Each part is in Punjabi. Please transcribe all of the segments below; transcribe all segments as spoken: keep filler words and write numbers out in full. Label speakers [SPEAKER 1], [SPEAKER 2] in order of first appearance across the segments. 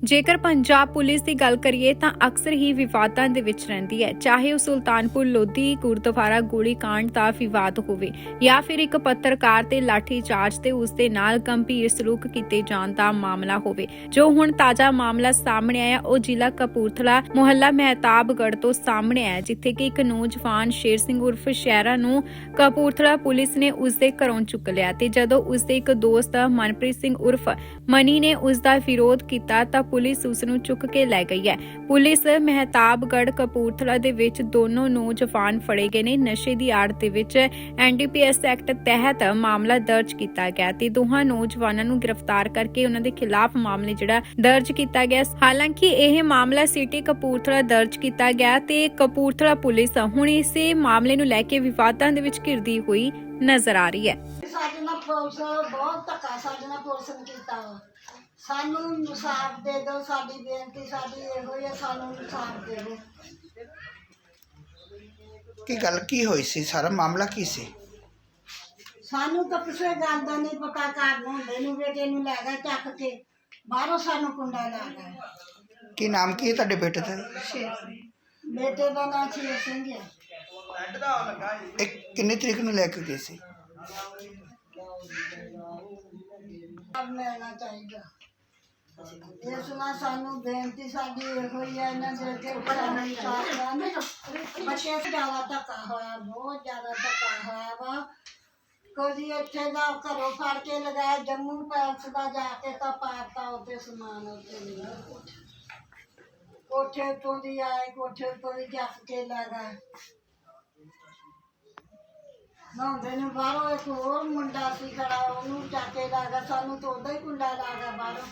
[SPEAKER 1] ਜੇਕਰ ਪੰਜਾਬ ਪੁਲਿਸ ਦੀ ਗੱਲ ਕਰੀਏ ਤਾਂ ਅਕਸਰ ਹੀ ਵਿਵਾਦਾਂ ਦੇ ਵਿੱਚ ਰਹਿੰਦੀ ਹੈ, ਚਾਹੇ ਉਹ ਸੁਲਤਾਨਪੁਰ ਲੋਧੀ ਗੁਰਦੁਆਰਾ ਗੋਲੀकांड ਦਾ ਵਿਵਾਦ ਹੋਵੇ ਜਾਂ ਫਿਰ ਇੱਕ ਪੱਤਰਕਾਰ ਤੇ ਲਾਠੀਚਾਰਜ ਤੇ ਉਸ ਦੇ ਨਾਲ ਗੰਭੀਰ ਸਲੂਕ ਕੀਤੇ ਜਾਣ ਦਾ ਮਾਮਲਾ ਹੋਵੇ। ਜੋ ਹੁਣ ਤਾਜ਼ਾ ਮਾਮਲਾ ਸਾਹਮਣੇ ਆਇਆ ਉਹ ਜ਼ਿਲ੍ਹਾ ਕਪੂਰਥਲਾ ਮੁਹੱਲਾ ਮਹਿਤਾਬਗੜ੍ਹ ਤੋਂ ਸਾਹਮਣੇ ਆਇਆ, ਜਿੱਥੇ ਕਿ ਇੱਕ ਨੌਜਵਾਨ ਸ਼ੇਰ ਸਿੰਘ ਉਰਫ ਸ਼ਹਿਰਾ ਨੂੰ ਕਪੂਰਥਲਾ ਪੁਲਿਸ ਨੇ ਉਸ ਦੇ ਘਰੋਂ ਚੁੱਕ ਲਿਆ ਤੇ ਜਦੋਂ ਉਸ ਦੇ ਇੱਕ ਦੋਸਤ ਮਨਪ੍ਰੀਤ ਸਿੰਘ ਉਰਫ ਮਨੀ ਨੇ ਉਸ ਦਾ ਵਿਰੋਧ ਕੀਤਾ ਤਾਂ ਪੁਲਿਸ ਉਸ ਨੂੰ ਚੁੱਕ ਕੇ ਲੈ ਗਈ ਹੈ। ਪੁਲਿਸ ਮਹਿਤਾਬਗੜ੍ਹ ਕਪੂਰਥਲਾ ਦੇ ਵਿੱਚ ਦੋਨੋਂ ਨੌਜਵਾਨ ਫੜੇ ਗਏ ਨੇ। ਨਸ਼ੇ ਦੀ ਆੜ ਦੇ ਵਿੱਚ N D P S act ਤਹਿਤ ਮਾਮਲਾ ਦਰਜ ਕੀਤਾ ਗਿਆ ਤੇ ਦੋਹਾਂ ਨੌਜਵਾਨਾਂ ਨੂੰ ਗ੍ਰਿਫਤਾਰ ਕਰਕੇ ਉਹਨਾਂ ਦੇ ਖਿਲਾਫ ਮਾਮਲੇ ਜਿਹੜਾ ਦਰਜ ਕੀਤਾ ਗਿਆ। ਹਾਲਾਂਕਿ ਇਹ ਮਾਮਲਾ ਸਿਟੀ ਕਪੂਰਥਲਾ ਦਰਜ ਕੀਤਾ ਗਿਆ ਤੇ ਕਪੂਰਥਲਾ ਪੁਲਿਸ ਹੁਣ ਇਸੇ ਮਾਮਲੇ ਨੂੰ ਲੈ ਕੇ ਵਿਵਾਦਾਂ ਦੇ ਵਿੱਚ ਘਿਰਦੀ ਹੋਈ ਨਜ਼ਰ ਆ ਰਹੀ ਹੈ।
[SPEAKER 2] ਸਾਡੇ ਨਾਲ ਪੁਲਿਸ ਬਹੁਤ ਧੱਕਾ ਸਾਡੇ ਨਾਲ ਪੁਲਿਸ ਨੇ ਕੀਤਾ ਵਾ। ਸਾਨੂੰ ਇਨਸਾਫ ਦੇ ਦਿਓ, ਸਾਡੀ ਬੇਨਤੀ ਸਾਡੀ ਇਹੋ ਹੀ ਹੈ, ਸਾਨੂੰ ਇਨਸਾਫ ਦੇ ਦਿਓ।
[SPEAKER 3] ਕੀ ਗੱਲ ਕੀ ਹੋਈ ਸੀ? ਸਾਰਾ ਮਾਮਲਾ ਕੀ ਸੀ?
[SPEAKER 2] ਸਾਨੂੰ ਤਾਂ ਕਿਸੇ ਗੱਲ ਦਾ ਨਹੀਂ ਪਤਾ। ਘਰ ਨੂੰ ਹੁੰਦੇ ਨੂੰ ਬੇਟੇ ਨੂੰ ਲੈ ਗਏ ਚੱਕ ਕੇ, ਬਾਹਰੋਂ ਸਾਨੂੰ ਕੁੰਡਾ ਲਾ ਗਏ।
[SPEAKER 3] ਕੀ ਨਾਮ ਕੀ ਹੈ ਤੁਹਾਡੇ ਬੇਟੇ ਦਾ?
[SPEAKER 2] ਬੇਟੇ ਦਾ ਨਾਂ ਸ਼ੇਰ ਸਿੰਘ ਹੈ।
[SPEAKER 3] ਇਹ ਕਿੰਨੀ ਤਰੀਕ ਨੂੰ ਲੈ ਕੇ ਗਏ ਸੀ?
[SPEAKER 2] ਆਪ ਮਿਲਣਾ ਚਾਹੀਦਾ। ਇਸ ਨਾਲ ਸਾਨੂੰ ਬੇਨਤੀ ਸਾਡੀ ਇਹੋ ਹੀ ਹੈ, ਇਹਨਾਂ ਦੇ ਅੱਗੇ ਸਾਨੂੰ ਇਨਸਾਫ ਦੇਣ। ਬੱਚੇ ਜ਼ਿਆਦਾ ਧੱਕਾ ਹੋਇਆ, ਬਹੁਤ ਜ਼ਿਆਦਾ ਧੱਕਾ ਹੋਇਆ ਵਾ। ਕੋਈ ਇੱਥੇ ਦਾ ਘਰੋਂ ਫੜ ਕੇ ਲਗਾਇਆ, ਜੰਮੂ ਪੈਲਸ ਦਾ ਜਾ ਕੇ ਤਾਂ ਪਾਤਾ ਉੱਤੇ ਸਮਾਨ ਉੱਤੇ ਨਹੀਂ। ਕੋਠੇ ਤੋਂ ਦੀ ਆਏ, ਕੋਠੇ ਤੋਂ ਦੀ ਜੱਫ ਕੇ ਲੈ ਗਏ। ਨਹਾਉਂਦੇ ਨੇ ਬਾਹਰੋਂ ਇੱਕ ਹੋਰ ਮੁੰਡਾ ਸੀ ਖੜਾ, ਉਹਨੂੰ ਚੱਕ ਕੇ ਲੈ ਗਿਆ। ਸਾਨੂੰ ਤਾਂ ਉਦਾਂ ਹੀ ਕੁੰਡਾ ਲਾ ਗਿਆ ਬਾਹਰੋਂ।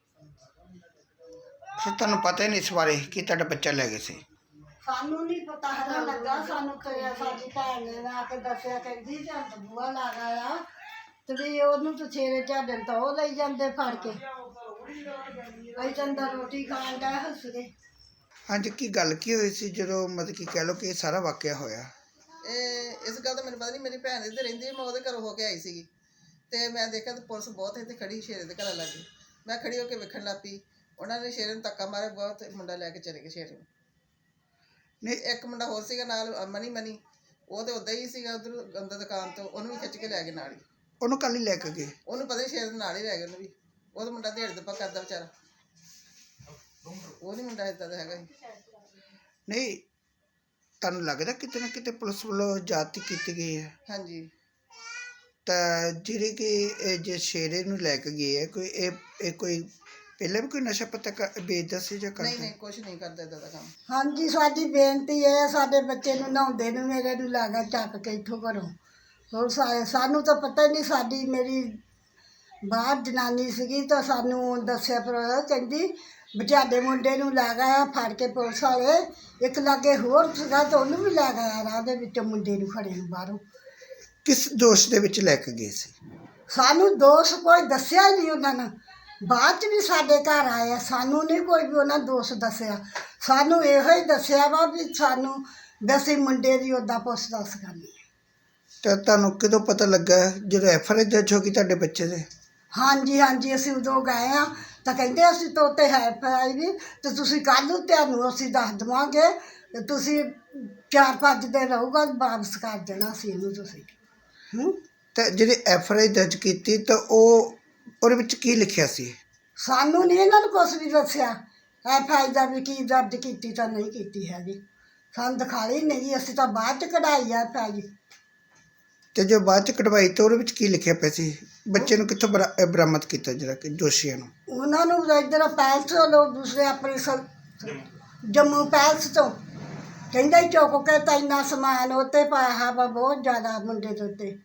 [SPEAKER 3] ਫਿਰ ਤੁਹਾਨੂੰ ਪਤਾ ਹੀ ਨਹੀਂ ਇਸ ਬਾਰੇ ਕਿ ਤੁਹਾਡਾ ਬੱਚਾ ਲੈ ਗਏ ਸੀ?
[SPEAKER 2] ਸਾਨੂੰ ਨਹੀਂ ਪਤਾ ਹੈਗਾ ਲੱਗਾ। ਸਾਨੂੰ ਤੇ ਸਾਡੀ ਭੈਣ ਨੇ ਆ ਕੇ ਦੱਸਿਆ, ਕਹਿੰਦੀ ਜਦ ਬੂਆ ਲਾ ਗਿਆ ਤੇ ਵੀ ਉਹਨੂੰ ਤਾਂ ਛੇਰੇ ਝਾੜਨ ਤਾਂ ਉਹ ਲਈ ਜਾਂਦੇ ਫੜ ਕੇ। ਅਸੀਂ ਚੰਦਾ ਰੋਟੀ ਖਾਣ ਦਾ ਹੱਸਦੇ।
[SPEAKER 3] ਹਾਂਜੀ, ਕੀ ਗੱਲ ਕੀ ਹੋਈ ਸੀ ਜਦੋਂ ਮਤਲਬ ਕਿ ਕਹਿ ਲਓ ਕਿ ਇਹ ਸਾਰਾ ਵਾਕਿਆ ਹੋਇਆ?
[SPEAKER 4] ਇਹ ਇਸ ਗੱਲ ਦਾ ਮੈਨੂੰ ਪਤਾ ਨਹੀਂ। ਮੇਰੀ ਭੈਣ ਇੱਧਰ ਰਹਿੰਦੀ, ਮੈਂ ਉਹਦੇ ਘਰੋਂ ਹੋ ਕੇ ਆਈ ਸੀਗੀ ਤੇ ਮੈਂ ਦੇਖਿਆ ਤੇ ਪੁਲਿਸ ਬਹੁਤ ਇੱਥੇ ਖੜੀ ਸ਼ੇਰੇ ਦੇ ਘਰ ਲੱਗੀ। ਮੈਂ ਖੜੀ ਹੋ ਕੇ ਵੇਖਣ ਲੱਗ ਪਈ। ਉਹਨਾਂ ਨੇ ਸ਼ੇਰੇ ਨੂੰ ਧੱਕਾ ਮਾਰਿਆ ਬਹੁਤ, ਮੁੰਡਾ ਲੈ ਕੇ ਚਲੇ ਗਏ ਸ਼ੇਰੇ ਨੂੰ। ਨਹੀਂ, ਇੱਕ ਮੁੰਡਾ ਹੋਰ ਸੀਗਾ ਨਾਲ, ਮਨੀ ਮਨੀ ਉਹ ਤਾਂ ਉੱਦਾਂ ਹੀ ਸੀਗਾ ਉੱਧਰ ਅੰਦਰ ਦੁਕਾਨ ਤੋਂ, ਉਹਨੂੰ ਵੀ ਖਿੱਚ ਕੇ ਲੈ ਗਏ ਨਾਲ ਹੀ।
[SPEAKER 3] ਉਹਨੂੰ ਕੱਲ ਹੀ ਲੈ ਕੇ ਗਏ?
[SPEAKER 4] ਉਹਨੂੰ ਪਤਾ ਨਹੀਂ ਸ਼ੇਰ ਦੇ ਨਾਲ ਹੀ ਲੈ ਗਏ ਉਹਨੂੰ ਵੀ। ਉਹ ਤਾਂ ਮੁੰਡਾ ਦਿਹਾੜੀ ਦੱਪਾ ਕਰਦਾ ਵਿਚਾਰਾ, ਉਹ ਨਹੀਂ ਮੁੰਡਾ ਇੱਦਾਂ ਦਾ ਹੈਗਾ ਸੀ।
[SPEAKER 3] ਨਹੀਂ, ਤੁਹਾਨੂੰ ਲੱਗਦਾ ਕਿਤੇ ਨਾ ਕਿਤੇ ਪੁਲਿਸ ਵੱਲੋਂ ਜ਼ਿਆਦਤੀ ਕੀਤੀ ਗਈ ਹੈ?
[SPEAKER 4] ਹਾਂਜੀ।
[SPEAKER 3] ਤਾਂ ਜਿਹੜੇ ਕਿ ਇਹ ਜੇ ਸ਼ੇਰੇ ਨੂੰ ਲੈ ਕੇ ਗਏ ਹੈ, ਕੋਈ ਇਹ ਇਹ ਕੋਈ ਪਹਿਲਾਂ ਵੀ ਕੋਈ ਨਸ਼ਾ ਪੱਤਾ ਕ- ਵੇਚਦਾ ਸੀ ਜਾਂ
[SPEAKER 4] ਨਹੀਂ
[SPEAKER 3] ਕਰਦਾ?
[SPEAKER 4] ਨਹੀਂ, ਕੁਛ ਨਹੀਂ ਕਰਦਾ ਇੱਦਾਂ ਦਾ ਕੰਮ।
[SPEAKER 2] ਹਾਂਜੀ, ਸਾਡੀ ਬੇਨਤੀ ਇਹ ਹੈ, ਸਾਡੇ ਬੱਚੇ ਨੂੰ ਨਹਾਉਂਦੇ ਨੂੰ ਮੇਰੇ ਨੂੰ ਲੈ ਗਿਆ ਚੱਕ ਕੇ ਇੱਥੋਂ ਘਰੋਂ। ਹੋਰ ਸਾ- ਸਾਨੂੰ ਤਾਂ ਪਤਾ ਹੀ ਨਹੀਂ। ਸਾਡੀ ਮੇਰੀ ਬਾਹਰ ਜਨਾਨੀ ਸੀਗੀ ਤਾਂ ਸਾਨੂੰ ਦੱਸਿਆ, ਪਰ ਕਹਿੰਦੀ ਬਚਾਡੇ ਮੁੰਡੇ ਨੂੰ ਲੈ ਗਿਆ ਫੜ ਕੇ ਪੁਲਿਸ ਵਾਲੇ। ਇੱਕ ਲਾਗੇ ਹੋਰ ਸੀਗਾ ਤਾਂ ਉਹਨੂੰ ਵੀ ਲੈ ਗਿਆ ਰਾਹ ਦੇ ਵਿੱਚ, ਮੁੰਡੇ ਨੂੰ ਖੜੇ ਨੂੰ ਬਾਹਰੋਂ।
[SPEAKER 3] ਕਿਸ ਦੋਸ਼ ਦੇ ਵਿੱਚ ਲੈ ਕੇ ਗਏ ਸੀ?
[SPEAKER 2] ਸਾਨੂੰ ਦੋਸ਼ ਕੋਈ ਦੱਸਿਆ ਹੀ ਨਹੀਂ ਉਹਨਾਂ ਨੇ। ਬਾਅਦ 'ਚ ਵੀ ਸਾਡੇ ਘਰ ਆਏ, ਸਾਨੂੰ ਨਹੀਂ ਕੋਈ ਵੀ ਉਹਨਾਂ ਦੋਸ਼ ਦੱਸਿਆ। ਸਾਨੂੰ ਇਹੋ ਹੀ ਦੱਸਿਆ ਵਾ ਵੀ ਸਾਨੂੰ ਵੈਸੇ ਮੁੰਡੇ ਦੀ ਉੱਦਾਂ ਪੁੱਛ ਦੱਸ ਕਰਨੀ।
[SPEAKER 3] ਤਾਂ ਤੁਹਾਨੂੰ ਕਦੋਂ ਪਤਾ ਲੱਗਾ ਜਦੋਂ ਐਫ ਆਰ ਆਈ ਦਰਜ ਹੋ ਗਈ ਤੁਹਾਡੇ ਬੱਚੇ ਦੇ?
[SPEAKER 2] ਹਾਂਜੀ ਹਾਂਜੀ, ਅਸੀਂ ਉਦੋਂ ਗਏ ਆ ਤਾਂ ਕਹਿੰਦੇ ਅਸੀਂ ਤਾਂ ਉੱਤੇ ਹੈ ਪਾਈ ਵੀ ਤੇ ਤੁਸੀਂ ਕੱਲ੍ਹ ਨੂੰ ਤੁਹਾਨੂੰ ਅਸੀਂ ਦੱਸ ਦੇਵਾਂਗੇ ਤੇ ਤੁਸੀਂ ਚਾਰ ਪੰਜ ਦਿਨ ਰਹੂਗਾ, ਵਾਪਸ ਕਰ ਦੇਣਾ ਸੀ ਇਹਨੂੰ ਤੁਸੀਂ। ਹੂੰ
[SPEAKER 3] ਤਾਂ ਜਿਹੜੀ ਐਫ ਆਰ ਆਈ ਦਰਜ ਕੀਤੀ ਤਾਂ ਉਹ ਉਹਦੇ ਵਿੱਚ ਕੀ ਲਿਖਿਆ ਸੀ?
[SPEAKER 2] ਸਾਨੂੰ ਨਹੀਂ ਇਹਨਾਂ ਨੂੰ ਕੁਛ ਵੀ ਦੱਸਿਆ। ਐਫ ਆਈ ਦਾ ਵੀ ਕੀ ਦਰਜ ਕੀਤੀ ਤਾਂ ਨਹੀਂ ਕੀਤੀ ਹੈਗੀ, ਸਾਨੂੰ ਦਿਖਾਈ ਨਹੀਂ। ਅਸੀਂ ਤਾਂ ਬਾਅਦ 'ਚ ਕਢਾਈ ਆ ਐਫ ਆਈ।
[SPEAKER 3] ਤੇ ਜੋ ਬਾਅਦ ਚ ਕਢਵਾਈ ਤਾਂ ਉਹਦੇ ਵਿੱਚ ਕੀ ਲਿਖਿਆ ਪਿਆ ਸੀ? ਬੱਚੇ ਨੂੰ ਕਿੱਥੋਂ ਬਰਾ- ਅਹ ਬਰਾਮਦ ਕੀਤਾ ਜਿਹੜਾ ਕਿ ਦੋਸ਼ੀਆਂ ਨੂੰ?
[SPEAKER 2] ਉਹਨਾਂ ਨੂੰ ਇੱਧਰ ਪੈਲਸ ਤੋਂ ਦੂਸਰੇ ਆਪਣੇ ਸ- ਜੰਮੂ ਪੈਲਸ ਤੋਂ ਕਹਿੰਦਾ ਹੀ ਚੁੱਕ ਕੇ ਤਾਂ ਇੰਨਾ ਸਮਾਨ ਉੱਤੇ ਪਾਇਆ ਵਾ ਬਹੁਤ ਜ਼ਿਆਦਾ ਮੁੰਡੇ ਦੇ ਉੱਤੇ।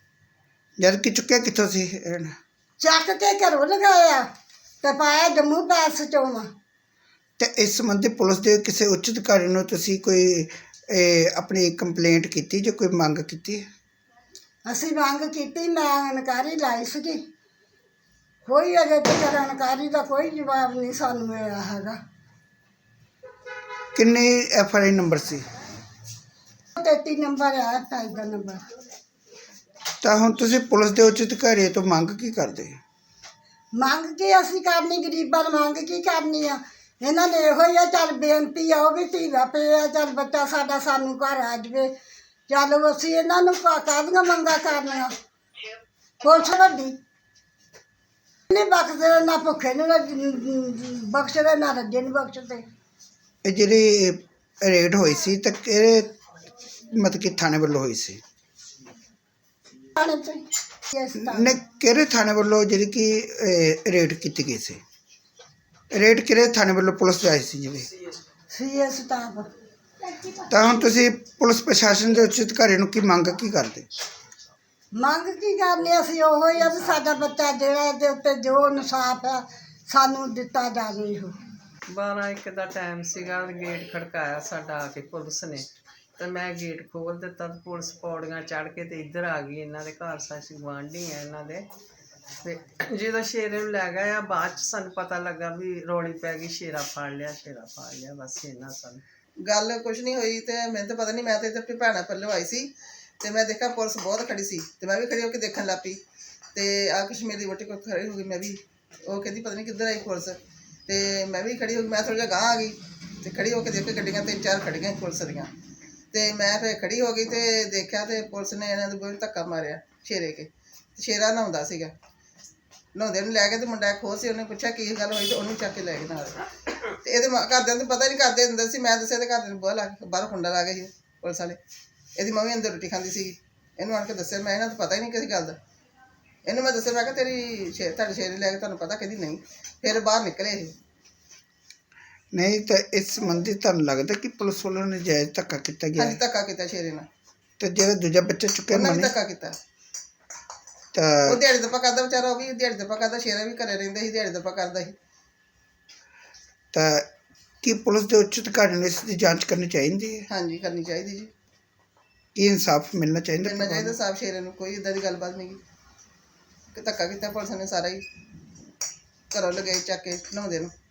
[SPEAKER 3] ਜਦ ਕਿ ਚੁੱਕਿਆ ਕਿੱਥੋਂ ਸੀ ਇਹਨਾਂ ਨੇ?
[SPEAKER 2] ਚੱਕ ਕੇ ਘਰੋਂ ਲਗਾਇਆ ਤੇ ਪਾਇਆ ਜੰਮੂ ਪੈਲਸ ਚੋਂ ਵਾ।
[SPEAKER 3] ਤੇ ਇਸ ਸੰਬੰਧੀ ਪੁਲਿਸ ਦੇ ਕਿਸੇ ਉੱਚ ਅਧਿਕਾਰੀ ਨੂੰ ਤੁਸੀਂ ਕੋਈ ਇਹ, ਆਪਣੀ ਕੰਪਲੇਂਟ ਕੀਤੀ ਜਾਂ ਕੋਈ ਮੰਗ ਕੀਤੀ?
[SPEAKER 2] ਅਸੀਂ ਮੰਗ ਕੀਤੀ, ਮੈਂ ਇਨਕਾਰੀ ਲਾਈ ਸੀਗੀ। ਕੋਈ ਅਜੇ ਤੱਕ ਇਨਕਾਰੀ ਦਾ ਕੋਈ ਜਵਾਬ ਨਹੀਂ ਸਾਨੂੰ ਮਿਲਿਆ ਹੈਗਾ।
[SPEAKER 3] ਕਿੰਨੇ ਐਫ ਆਰ ਆਈ ਨੰਬਰ ਸੀ?
[SPEAKER 2] ਤੇਤੀ ਨੰਬਰ ਆ ਐਫ ਦਾ ਨੰਬਰ।
[SPEAKER 3] ਤਾਂ ਹੁਣ ਤੁਸੀਂ ਪੁਲਿਸ ਦੇ ਉੱਚ ਅਧਿਕਾਰੀ ਤੋਂ ਮੰਗ ਕੀ ਕਰਦੇ?
[SPEAKER 2] ਮੰਗ ਕੀ ਅਸੀਂ ਕਰਨੀ, ਗਰੀਬਾਂ ਨੂੰ ਮੰਗ ਕੀ ਕਰਨੀ ਆ। ਇਹਨਾਂ ਨੇ ਇਹੋ ਹੀ ਆ, ਚੱਲ ਬੇਨਤੀ ਆ ਉਹ ਵੀ ਧੀਰਾ ਪਏ ਆ, ਚੱਲ ਬੱਚਾ ਸਾਡਾ ਸਾਨੂੰ ਘਰ ਆ ਜਾਵੇ। ਚੱਲ ਅਸੀਂ ਇਹਨਾਂ ਨੂੰ ਕਾ- ਕਾਹਦੀਆਂ ਮੰਗਾਂ ਕਰਨੀਆਂ। ਪੁਲਿਸ ਵੱਡੀ ਨਹੀਂ ਬਖਸ਼ਦੇ, ਨਾ ਭੁੱਖੇ ਨੂੰ ਬਖਸ਼ਦੇ, ਨਾ ਰੱਜੇ ਨੂੰ ਬਖਸ਼ਦੇ।
[SPEAKER 3] ਇਹ ਜਿਹੜੀ ਰੇਡ ਹੋਈ ਸੀ ਤਾਂ ਕਿਹੜੇ ਮਤਲਬ ਕਿ ਥਾਣੇ ਵੱਲੋਂ ਹੋਈ ਸੀ?
[SPEAKER 2] ਥਾਣੇ ਤੋਂ ਹੀ। ਇਸ ਤਰ੍ਹਾਂ
[SPEAKER 3] ਨੇ ਕਿਹੜੇ ਥਾਣੇ ਵੱਲੋਂ ਜਿਹੜੀ ਕਿ ਰੇਡ ਕੀਤੀ ਗਈ ਸੀ? ਰੇਡ ਕਿਹੜੇ ਥਾਣੇ ਵੱਲੋਂ ਪੁਲਿਸ ਆਈ ਸੀ ਜਿਹੜੀ?
[SPEAKER 2] C S staff.
[SPEAKER 3] ਤਾਂ ਹੁਣ ਤੁਸੀਂ ਪੁਲਿਸ ਪ੍ਰਸ਼ਾਸਨ ਦੇ ਉੱਚ ਅਧਿਕਾਰੀ ਨੂੰ ਕੀ ਮੰਗ ਕੀ ਕਰਦੇ?
[SPEAKER 2] ਮੰਗ ਕੀ ਕਰਨੀ ਅਸੀਂ ਉਹੋ ਹੀ ਆ ਵੀ ਸਾਡਾ ਬੱਚਾ ਜਿਹੜਾ ਦੇ ਉੱਤੇ ਜੋ ਇਨਸਾਫ ਆ ਸਾਨੂੰ ਦਿੱਤਾ ਜਾਵੇ। ਇਹੋ
[SPEAKER 5] ਬਾਰਾਂ ਇੱਕ ਦਾ ਟਾਈਮ ਸੀਗਾ, ਗੇਟ ਖੜਕਾਇਆ ਸਾਡਾ ਆ ਕੇ ਪੁਲਿਸ ਨੇ, ਤੇ ਮੈਂ ਗੇਟ ਖੋਲ੍ਹ ਦਿੱਤਾ ਤੇ ਪੁਲਿਸ ਪੌੜੀਆਂ ਚੜ੍ਹ ਕੇ ਤੇ ਇੱਧਰ ਆ ਗਈ। ਇਹਨਾਂ ਦੇ ਘਰ ਸਾਸੀ ਗੁਆਂਢੀ ਆ ਇਹਨਾਂ ਦੇ, ਤੇ ਜਦੋਂ ਸ਼ੇਰੇ ਨੂੰ ਲੈ ਗਏ ਆ ਬਾਅਦ 'ਚ ਸਾਨੂੰ ਪਤਾ ਲੱਗਾ ਵੀ ਰੌਲੀ ਪੈ ਗਈ, ਸ਼ੇਰਾ ਫੜ ਲਿਆ, ਸ਼ੇਰਾ ਫੜ ਲਿਆ। ਬਸ ਇਹਨਾਂ ਸਾਨੂੰ
[SPEAKER 4] ਗੱਲ ਕੁਛ ਨਹੀਂ ਹੋਈ ਤੇ ਮੈਨੂੰ ਤਾਂ ਪਤਾ ਨਹੀਂ। ਮੈਂ ਤਾਂ ਇੱਥੇ ਆਪਣੀ ਭੈਣਾਂ ਪੱਲੋਂ ਆਈ ਸੀ ਤੇ ਮੈਂ ਦੇਖਿਆ ਪੁਲਿਸ ਬਹੁਤ ਖੜੀ ਸੀ ਤੇ ਮੈਂ ਵੀ ਖੜੀ ਹੋ ਕੇ ਦੇਖਣ ਲੱਗ ਪਈ ਤੇ ਆ ਕਸ਼ਮੀਰ ਦੀ ਵੋਟੀ ਕੋਲ ਖੜੀ ਹੋ ਗਈ। ਮੈਂ ਵੀ ਉਹ ਕਹਿੰਦੀ ਪਤਾ ਨਹੀਂ ਕਿੱਧਰ ਆਈ ਪੁਲਿਸ, ਤੇ ਮੈਂ ਵੀ ਖੜੀ ਹੋ ਗਈ। ਮੈਂ ਥੋੜ੍ਹਾ ਜਿਹਾ ਗਾਂਹ ਆ ਗਈ ਤੇ ਖੜੀ ਹੋ ਕੇ ਦੇਖ ਕੇ ਗੱਡੀਆਂ ਤਿੰਨ ਚਾਰ ਖੜੀਆਂ ਪੁਲਿਸ ਦੀਆਂ, ਤੇ ਮੈਂ ਫਿਰ ਖੜੀ ਹੋ ਗਈ ਤੇ ਦੇਖਿਆ ਤੇ ਪੁਲਿਸ ਨੇ ਇਹਨਾਂ ਦੇ ਬਹੁਤ ਧੱਕਾ ਮਾਰਿਆ ਸ਼ੇਰੇ ਕੇ। ਸ਼ੇਰਾ ਨਹਾਉਂਦਾ ਸੀਗਾ, ਨਹਾਉਂਦੇ ਨੂੰ ਲੈ ਕੇ ਤੇ ਮੁੰਡਾ ਖੋ ਸੀ, ਉਹਨੇ ਪੁੱਛਿਆ ਕੀ ਗੱਲ ਹੋਈ ਤੇ ਉਹਨੂੰ ਚੱਕ ਕੇ ਲੈ ਗਏ ਨਾਲ। ਤੇ ਇਹਦੇ ਮਾਂ ਘਰਦਿਆਂ ਨੂੰ ਪਤਾ ਨਹੀਂ, ਕਰਦੇ ਅੰਦਰ ਸੀ। ਮੈਂ ਦੱਸਿਆ ਤੇ ਘਰਦਿਆਂ ਨੂੰ ਬੁਆ ਲਾ ਕੇ ਬਾਹਰੋਂ ਕੁੰਡਾ ਲਾ ਗਏ ਸੀ ਪੁਲਿਸ ਵਾਲੇ। ਇਹਦੀ ਮੰਮੀ ਅੰਦਰ ਰੋਟੀ ਖਾਂਦੀ ਸੀਗੀ, ਇਹਨੂੰ ਆਣ ਕੇ ਦੱਸਿਆ। ਮੈਂ ਇਹਨਾਂ ਤੋਂ ਪਤਾ ਹੀ ਨਹੀਂ ਕਿਸੇ ਗੱਲ ਦਾ। ਇਹਨੂੰ ਮੈਂ ਦੱਸਿਆ, ਮੈਂ ਕਿਹਾ ਤੇਰੀ ਸ਼ੇ ਤੁਹਾਡੇ ਸ਼ੇਰੇ ਲੈ ਕੇ ਤੁਹਾਨੂੰ ਪਤਾ? ਕਹਿੰਦੀ ਨਹੀਂ। ਫਿਰ ਬਾਹਰ ਨਿਕਲੇ ਇਹ।
[SPEAKER 3] ਨਹੀਂ ਤਾਂ ਇਸ ਸੰਬੰਧੀ ਤੁਹਾਨੂੰ ਲੱਗਦਾ ਕਿ ਪੁਲਿਸ ਵੱਲੋਂ ਨਜਾਇਜ਼ ਧੱਕਾ ਕੀਤਾ ਗਿਆ
[SPEAKER 4] ਹਾਂਜੀ
[SPEAKER 3] ਹੈ?
[SPEAKER 4] ਧੱਕਾ ਕੀਤਾ ਸ਼ੇਰੇ ਨਾਲ,
[SPEAKER 3] ਤੇ ਜਿਹੜਾ ਦੂਜਾ ਬੱਚਾ ਚੁੱਕਿਆ
[SPEAKER 4] ਉਹਨਾਂ ਨੇ
[SPEAKER 3] ਮਨੀ
[SPEAKER 4] ਧੱਕਾ ਕੀਤਾ।
[SPEAKER 3] ਤਾਂ
[SPEAKER 4] ਉਹ ਦਿਹਾੜੀ ਦੱਪਾ ਕਰਦਾ ਵਿਚਾਰਾ, ਉਹ ਵੀ ਦਿਹਾੜੀ ਦੱਪਾ ਕਰਦਾ। ਸ਼ੇਰਾ ਵੀ ਘਰੇ ਰਹਿੰਦਾ ਸੀ, ਦਿਹਾੜੀ ਦੱਪਾ ਕਰਦਾ ਸੀ।
[SPEAKER 3] ਤਾਂ ਕੀ ਪੁਲਿਸ ਦੇ ਉੱਚ ਅਧਿਕਾਰੀ ਨੂੰ ਇਸ ਦੀ ਜਾਂਚ ਕਰਨੀ ਚਾਹੀਦੀ ਹੈ?
[SPEAKER 4] ਹਾਂਜੀ ਕਰਨੀ ਚਾਹੀਦੀ ਜੀ,
[SPEAKER 3] ਕੀ ਇਨਸਾਫ ਮਿਲਣਾ ਚਾਹੀਦਾ?
[SPEAKER 4] ਮਿਲਣਾ ਚਾਹੀਦਾ ਸਾਫ ਸ਼ੇਰੇ ਨੂੰ। ਕੋਈ ਇੱਦਾਂ ਦੀ ਗੱਲਬਾਤ ਨਹੀਂ ਗੀ ਕਿ ਧੱਕਾ ਕੀਤਾ ਪੁਲਿਸ ਨੇ ਸਾਰਾ ਹੀ। ਘਰੋਂ ਲਗਾਈ ਚੱਕ ਕੇ ਨਹਾਉਂਦੇ ਨੂੰ।